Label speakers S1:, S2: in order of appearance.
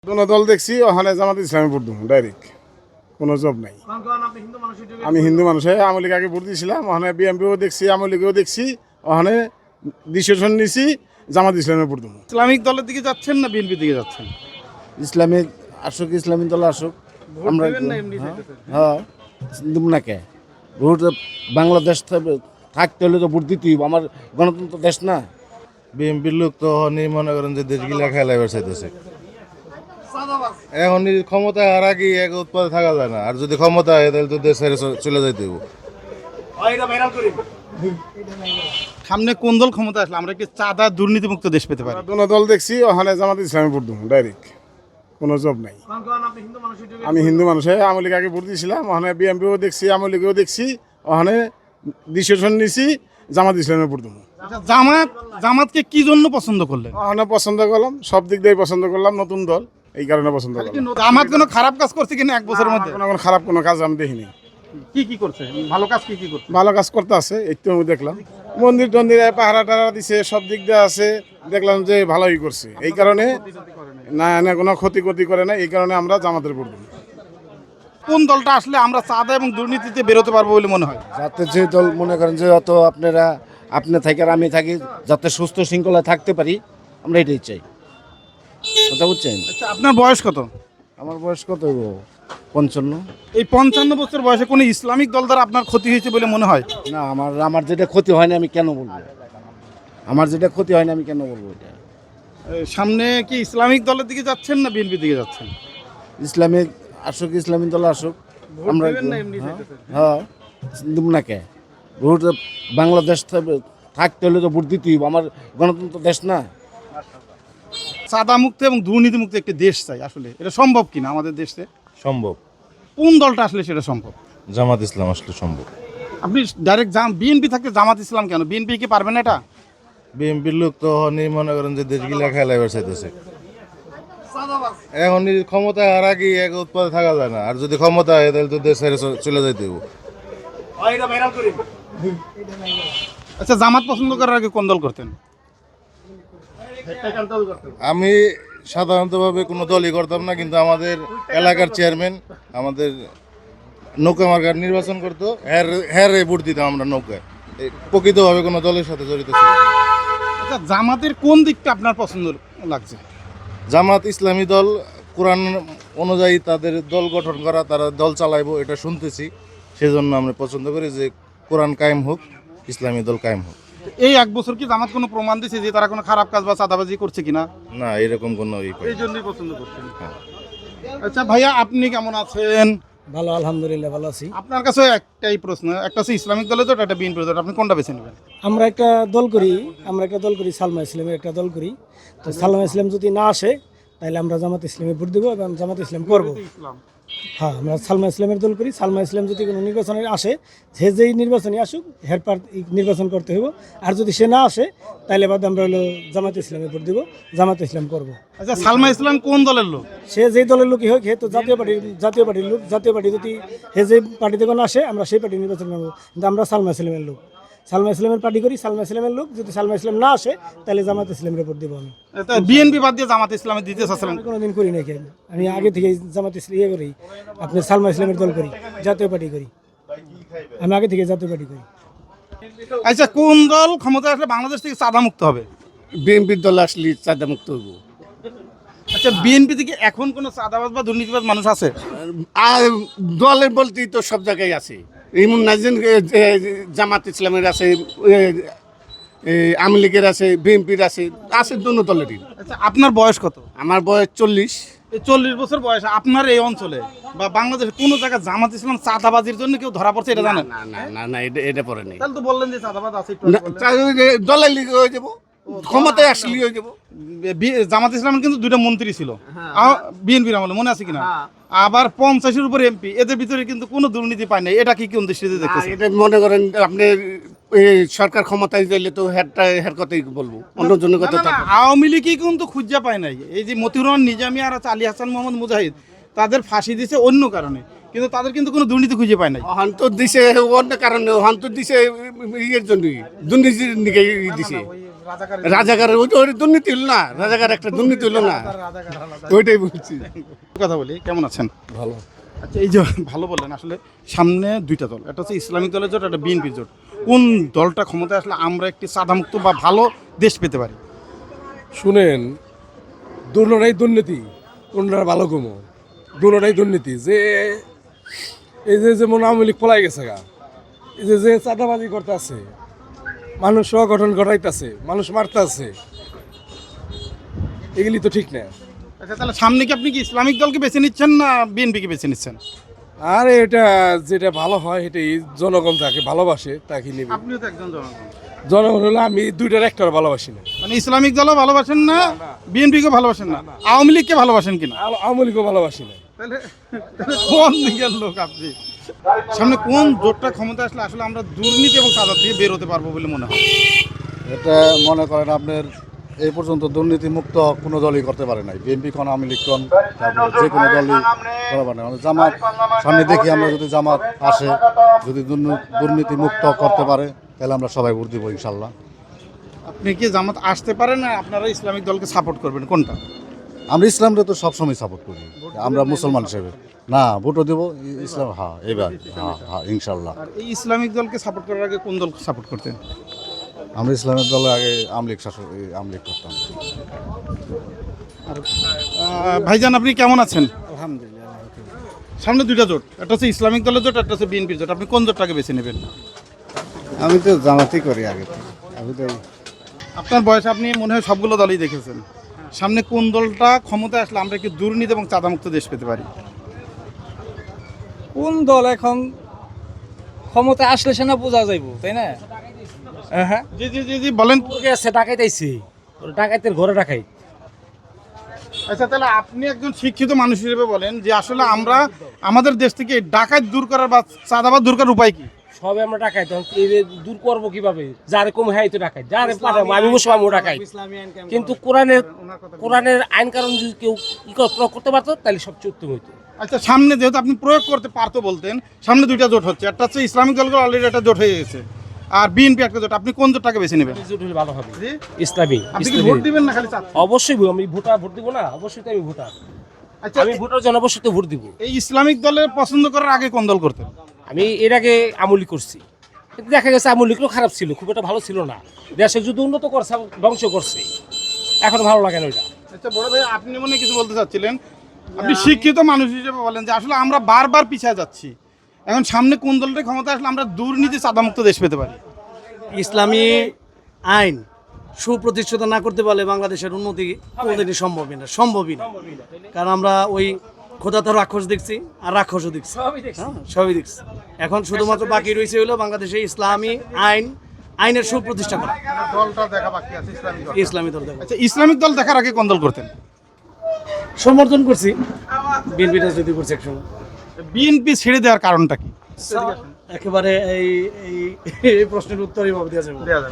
S1: কোনো দল দেখছি ওখানে জামাত ইসলামে ভোট দেবো ডাইরেক্ট, কোনো জব নাই। আমি হিন্দু মানুষ, আওয়ামী লীগ আগে ভোট দিয়েছিলাম, ওখানে বিএনপিও দেখছি, আওয়ামী লীগও দেখছি, ওখানে ডিসিশন নিছি জামাত ইসলামে ভোট দেবো।
S2: ইসলামিক দলের দিকে যাচ্ছেন না বিএনপি দিকে যাচ্ছেন?
S3: ইসলামিক আসুক, ইসলামিক দল আসুক, আমরা হ্যাঁ দেব না কে ভোট। বাংলাদেশ থাকতে হলে তো ভোট দিতেই হবে, আমার গণতন্ত্র দেশ না।
S4: বিএনপির লোক তো মনে করেন যে দেশগুলা খেলাইবার চাইতেছে। এখন ক্ষমতা আর আগে এক উৎপাদে থাকা যায় না, আর যদি ক্ষমতা হয় তাহলে তো দেশ ছেড়ে চলে যাইতে হবে।
S2: সামনে কোন দল ক্ষমতা আসলে আমরা কি চাঁদা দুর্নীতিমুক্ত দেশ পেতে পারি?
S1: কোনো দল দেখছি ওখানে জামাত ইসলামে ভোট দেবো ডাইরেক্ট, কোনো জব নাই। আমি হিন্দু মানুষ, আওয়ামী লীগ আগে ভোট দিয়েছিলাম, ওখানে বিএনপিও দেখছি, আওয়ামী লীগও দেখছি, ওখানে ডিসিশন নিছি জামাত ইসলামে ভোট দেবো।
S2: জামাতকে কি জন্য পছন্দ করলেন?
S1: ওখানে পছন্দ করলাম, সব দিক দিয়ে পছন্দ করলাম, নতুন দল এই কারণে পছন্দ করলাম।
S2: জামাত কোনো খারাপ কাজ করছে কিনা এক বছরের মধ্যে?
S1: কোনো খারাপ কোনো কাজ আমি দেখিনি।
S2: কি করছে ভালো কাজ? কি করছে
S1: ভালো কাজ করতে আছে, একটু আমি দেখলাম মন্দির টন্দিরে পাহারা টাহারা দিছে, সব দিক দিয়ে আছে, দেখলাম যে ভালোই করছে। এই কারণে না না কোনো ক্ষতি করে না, এই কারণে আমরা জামাতের ভোট দেব।
S2: কোন দলটা আসলে আমরা চাঁদা এবং দুর্নীতিতে বেরোতে পারবো বলে মনে হয়?
S3: যাতে যে দল মনে করেন যে অত আপনি থাকি আর আমি থাকি, যাতে সুস্থ শৃঙ্খলা থাকতে পারি, আমরা এটাই চাই। কথা বুঝছেন?
S2: আচ্ছা, আপনার বয়স কত?
S3: আমার বয়স কত? 55।
S2: এই 55 বছর বয়সে কোনো ইসলামিক দল দ্বারা আপনার ক্ষতি হয়েছে বলে মনে হয়?
S3: না, আমার যেটা ক্ষতি হয় না আমি কেন বলবো? আমার যেটা ক্ষতি হয় না আমি কেন বলবো এটা?
S2: সামনে কি ইসলামিক দলের দিকে যাচ্ছেন না বিএনপি দিকে যাচ্ছেন?
S3: ইসলামিক আসুক, ইসলামিক দল আসুক, আমরা হ্যাঁ দেব না কে ভোট। বাংলাদেশ থাকতে হলে তো ভোট দিতেই হবে, আমার গণতন্ত্র দেশ না।
S2: চাঁদা মুক্ত এবং দুর্নীতি মুক্ত একটি দেশ চাই, আসলে এটা সম্ভব কিনা আমাদের দেশে?
S4: সম্ভব।
S2: কোন দলটা আসলে সেটা সম্ভব?
S4: জামাত ইসলাম আসলে সম্ভব।
S2: আপনি ডাইরেক্ট বিএনপি থাকতে জামাত ইসলাম কেন? বিএনপি কি পারবে না এটা?
S4: বিএনপির লোক তো মনে করেন যে দেশগুলা খেলাইবার চাইতেছে। এখন ক্ষমতা আর আগে এক উৎপাদে থাকা যায় না, আর যদি ক্ষমতা হয় তাহলে তো দেশ ছেড়ে চলে যাইতে হবে।
S2: আচ্ছা, জামাত পছন্দ করার আগে কোন দল করতেন?
S4: আমি সাধারণতভাবে কোনো দলই করতাম না, কিন্তু আমাদের এলাকার চেয়ারম্যান আমাদের নৌকা মার্কার নির্বাচন করতো, হ্যাঁ ভোট দিতাম আমরা নৌকায়। প্রকৃতভাবে কোনো দলের সাথে জড়িত ছিল।
S2: আচ্ছা, জামাতের কোন দিকটা আপনার পছন্দ লাগছে?
S4: জামাত ইসলামী দল, কোরআন অনুযায়ী তাদের দল গঠন করা, তারা দল চালাইবো এটা শুনতেছি, সেজন্য আমরা পছন্দ করি যে কোরআন কায়েম হোক, ইসলামী দল কায়েম হোক।
S2: এই এক বছর কি জামাত কোনো প্রমাণ দিয়েছে যে তারা কোনো খারাপ কাজ বা চাঁদাবাজি করছে কিনা?
S4: না, এরকম কোনো
S2: এই জন্যই পছন্দ করছেন। আচ্ছা ভাইয়া, আপনি কেমন আছেন?
S5: ভালো, আলহামদুলিল্লাহ ভালো আছি।
S2: আপনার কাছে একটাই প্রশ্ন, একটা হচ্ছে ইসলামিক দলের জোট, একটা বিএনপির জোট, আপনি কোনটা বেছে নেবেন?
S5: আমরা একটা দল করি সালমা ইসলামের একটা দল করি। তো সালমা ইসলাম যদি না আসে তাহলে আমরা জামাত ইসলামে ভোট দেবো এবং জামাত ইসলাম করবো। হ্যাঁ, আমরা সালমা ইসলামের দল করি। সালমা ইসলাম যদি কোনো নির্বাচনে আসে, সে যেই নির্বাচনে আসুক হেরপার নির্বাচন করতে হইব। আর যদি সে না আসে তাহলে বাদ আমরা হলো জামাত ইসলামে ভোট দেবো, জামাত ইসলাম করবো।
S2: আচ্ছা, সালমা ইসলাম কোন দলের লোক?
S5: সে যেই দলের লোকই হোক, হে তো জাতীয় পার্টির লোক। জাতীয় পার্টি যদি হে যে পার্টিতে কোনো আসে আমরা সেই পার্টি নির্বাচন করবো, কিন্তু আমরা সালমা ইসলামের লোক, সালমা ইসলামের পার্টি করি, সালমা ইসলামের লোক। যদি সালমা ইসলাম না আসে তাহলে জামাত ইসলামের ভোট দেবো আমি।
S2: বিএনপি বাদ দিয়ে জামাত ইসলামে দিতে চাচ্ছিলেন?
S5: কোনোদিন করি নাকি, আমি আগে থেকে জামাত ইসলাম করি, আপনি সালমা ইসলামের দল করি, জাতীয় পার্টি করি, আমি আগে থেকে জাতীয় পার্টি করি।
S2: আচ্ছা, কোন দল ক্ষমতা আসলে বাংলাদেশ থেকে চাঁদা মুক্ত হবে?
S3: বিএনপির দল আসলে চাঁদা মুক্ত হইব।
S5: আচ্ছা, বিএনপি থেকে এখন কোনো চাঁদাবাজ বা দুর্নীতিবাজ মানুষ আছে?
S3: আর দলের বলতেই তো সব জায়গায় আছে, এমন না যে জামাত ইসলামের আছে, আওয়ামী লীগের আছে, বিএনপির আছে দুনো দলেরই।
S2: আচ্ছা, আপনার বয়স কত?
S3: আমার বয়স 40।
S2: এই 40 বছর বয়স আপনার এই অঞ্চলে বা বাংলাদেশে কোনো জায়গায় জামাত ইসলাম চাঁদাবাজির জন্য কেউ ধরা পড়ছে এটা জানেন?
S3: না, এটা পরে নেই।
S2: তাহলে তো বললেন যে চাঁদাবাজ আছে,
S3: দলের লিগে হয়ে যাবো, ক্ষমতায় আসলে হয়ে যাবো।
S2: জামাত ইসলামের কিন্তু 2টা মন্ত্রী ছিল বিএনপির আমলে, মনে আছে কিনা? আবার 50-এর উপরে এমপি, এদের ভিতরে কিন্তু কোনো দুর্নীতি পায় নাই। এটা কি কোন দৃষ্টিতে দেখতেছেন?
S3: এটা মনে করেন আপনি সরকার ক্ষমতায় গেলে তো হের কথাই বলবো, অন্য জনের কথা।
S2: আওয়ামী লীগই কিন্তু খুঁজে পায় নাই। এই যে মতিউর রহমান নিজামী আর আলী হাসান মোহাম্মদ মুজাহিদ, তাদের ফাঁসি দিছে অন্য কারণে, কিন্তু তাদের কিন্তু কোনো দুর্নীতি খুঁজে পায় নাই।
S3: হন্ত দিছে অন্য কারণে, হন্ত দিছে ইয়ের জন্যই, দুর্নীতির দিকে দিছে। রাজাকারের ওইটা দুর্নীতি হলো না, রাজাকার একটা দুর্নীতি হলো না, ওইটাই বলছি।
S2: কথা বলি, কেমন আছেন?
S3: ভালো।
S2: আচ্ছা, এই যে ভালো বললেন, আসলে সামনে দুইটা দল, একটা হচ্ছে ইসলামিক দলের জোট, একটা বিএনপির জোট। কোন দলটা ক্ষমতায় আসলে আমরা একটি সাদামুক্ত বা ভালো দেশ পেতে পারি?
S6: শুনেন, দুটোটাই দুর্নীতি, কোনটার ভালো কমো, দুটোটাই দুর্নীতি। যে এই যে যেমন আওয়ামী লীগ পলাই গেছে গা, এই যে যে চাঁদাবাজি করতে আছে, মানুষ সংগঠন ঘটাইতেছে, মানুষ মারতেছে, এগুলি তো ঠিক না।
S2: আচ্ছা, তাহলে সামনে কি আপনি কি ইসলামিক দলকে বেছে নিচ্ছেন না বিএনপিকে বেছে নিচ্ছেন?
S6: আর এটা যেটা ভালো হয় সেটাই জনগণ তাকে ভালোবাসে তাকে নিবে।
S2: আপনিও তো একজন জনগণ।
S6: জনগণ হলে আমি দুইটার একটা ভালোবাসি না,
S2: মানে ইসলামিক দলও ভালোবাসেন না, বিএনপিকে ভালোবাসেন না, আওয়ামী লীগকে ভালোবাসেন কিনা?
S6: আওয়ামী লীগও ভালোবাসি না।
S2: তাহলে কোন দিকের লোক আপনি? সামনে কোন জোটটা ক্ষমতা আসলে আসলে আমরা দুর্নীতি এবং চাঁদা থেকে বের হতে পারবো বলে মনে হয়?
S7: এটা মনে করেন আপনার এই পর্যন্ত দুর্নীতি মুক্ত কোনো দলই করতে পারে নাই, বিএনপি কোন আওয়ামী লীগ কোন, তারপরে যে কোনো দলই করা পারে না। জামাত সামনে দেখি আমরা যদি জামাত আসে, যদি দুর্নীতি মুক্ত করতে পারে, তাহলে আমরা সবাই ভোট দিব ইনশাল্লাহ।
S2: আপনি কি জামাত আসতে পারেন না আপনারা ইসলামিক দলকে সাপোর্ট করবেন, কোনটা?
S7: আমরা ইসলামটা তো সবসময় সাপোর্ট করি, আমরা মুসলমান হিসেবে। না, ভোটও দেবো ইসলাম, হ্যাঁ এবার, হ্যাঁ ইনশাল্লাহ।
S2: আর এই ইসলামিক দলকে সাপোর্ট করার আগে কোন দলকে সাপোর্ট করতেন?
S7: আমরা ইসলামের দলে আগে আওয়ামী লীগ শাসক, আওয়ামী লীগ করতাম।
S2: ভাইজান, আপনি কেমন আছেন?
S5: আলহামদুলিল্লাহ।
S2: সামনে দুইটা জোট, একটা হচ্ছে ইসলামিক দলের জোট, একটা হচ্ছে বিএনপির জোট। আপনি কোন জোটটাকে বেছে নেবেন?
S3: আমি তো জামাতই করি আগে, আমি তো
S2: আপনার বয়সে আপনি মনে হয় সবগুলো দলই দেখেছেন। সামনে কোন দলটা ক্ষমতায় আসলে আমরা কি দুর্নীতি এবং চাঁদামুক্ত দেশ পেতে পারি?
S8: কোন দল এখন ক্ষমতা আসলে সে না বোঝা যাইব, তাই না? হ্যাঁ,
S2: জি জি জি জি, বলেন।
S8: আছে ডাকাইতেছি, ডাকাইতের ঘরে ডাকাই।
S2: আচ্ছা, তাহলে আপনি একজন শিক্ষিত মানুষ হিসেবে বলেন যে আসলে আমরা আমাদের দেশ থেকে ডাকাত দূর করার বা চাঁদাবাদ দূর করার উপায় কি?
S8: সবে আমরা ডাকাই, তখন দূর করবো কিভাবে? যারে কম হ্যাঁ তো ডাকাই, যারে পাঠাবো আমি মুসলমান ডাকাই। কিন্তু কোরআনের আইন কারণ যদি কেউ প্রয়োগ করতে পারতো তাহলে সবচেয়ে উত্তম হইতো।
S2: আচ্ছা, সামনে যেহেতু আপনি প্রয়োগ করতে পারতো বলতেন, সামনে দুইটা জোট হচ্ছে, একটা হচ্ছে ইসলামিক দলগুলো অলরেডি একটা জোট হয়ে গেছে, আর বিএনপি একটা জোট। আপনি কোন জোটটাকে বেছে নেবেন?
S8: জোট হলে ভালো হবে।
S2: জি?
S8: ইসলামী।
S2: আপনি কি ভোট দিবেন না খালি চাচ্ছেন?
S8: অবশ্যই আমি ভোট দিব না, অবশ্যই তো আমি ভোটার।
S2: আচ্ছা,
S8: আমি ভোটার জন, অবশ্যই তো ভোট দিব।
S2: এই ইসলামিক দলের পছন্দ করার আগে কোন দল করতেন?
S8: আমি এর আগে আমলি করছি, কিন্তু দেখা গেছে আমলিগুলো খারাপ ছিল, খুব একটা ভালো ছিল না। দেশে যদি উন্নত করছে, ধ্বংস করছে, এখন ভালো লাগে না ওইটা।
S2: আচ্ছা বড় ভাই, আপনি মনে হয় কিছু বলতে চাচ্ছিলেন। আপনি শিক্ষিত মানুষ হিসেবে বলেন যে আসলে আমরা বারবার পিছিয়ে যাচ্ছি, এখন সামনে কোন দলটা ক্ষমতা আসলে আমরা দুর্নীতি চাঁদামুক্ত দেশ পেতে পারি?
S9: ইসলামী আইন সুপ্রতিষ্ঠিত না করতে পারলে বাংলাদেশের উন্নতি কোনোদিনই সম্ভবই না। কারণ আমরা ওই খোদাতে রাক্ষস দেখছি আর রাক্ষসও দেখছি, সবই দেখছি। এখন শুধুমাত্র বাকি রয়েছে হলো বাংলাদেশে ইসলামী আইনের সুপ্রতিষ্ঠা করা।
S2: দলটা দেখা বাকি আছে ইসলামিক দল।
S9: ইসলামী দল দেখা
S2: আচ্ছা, ইসলামিক দল দেখার আগে কোন দল করতেন?
S9: সমর্থন করছি, বিএনপি রাজনীতি করছি একসময়।
S2: বিএনপি ছেড়ে দেওয়ার কারণটা কি?
S9: একেবারে এই প্রশ্নের উত্তর এইভাবে দেওয়া যাবে।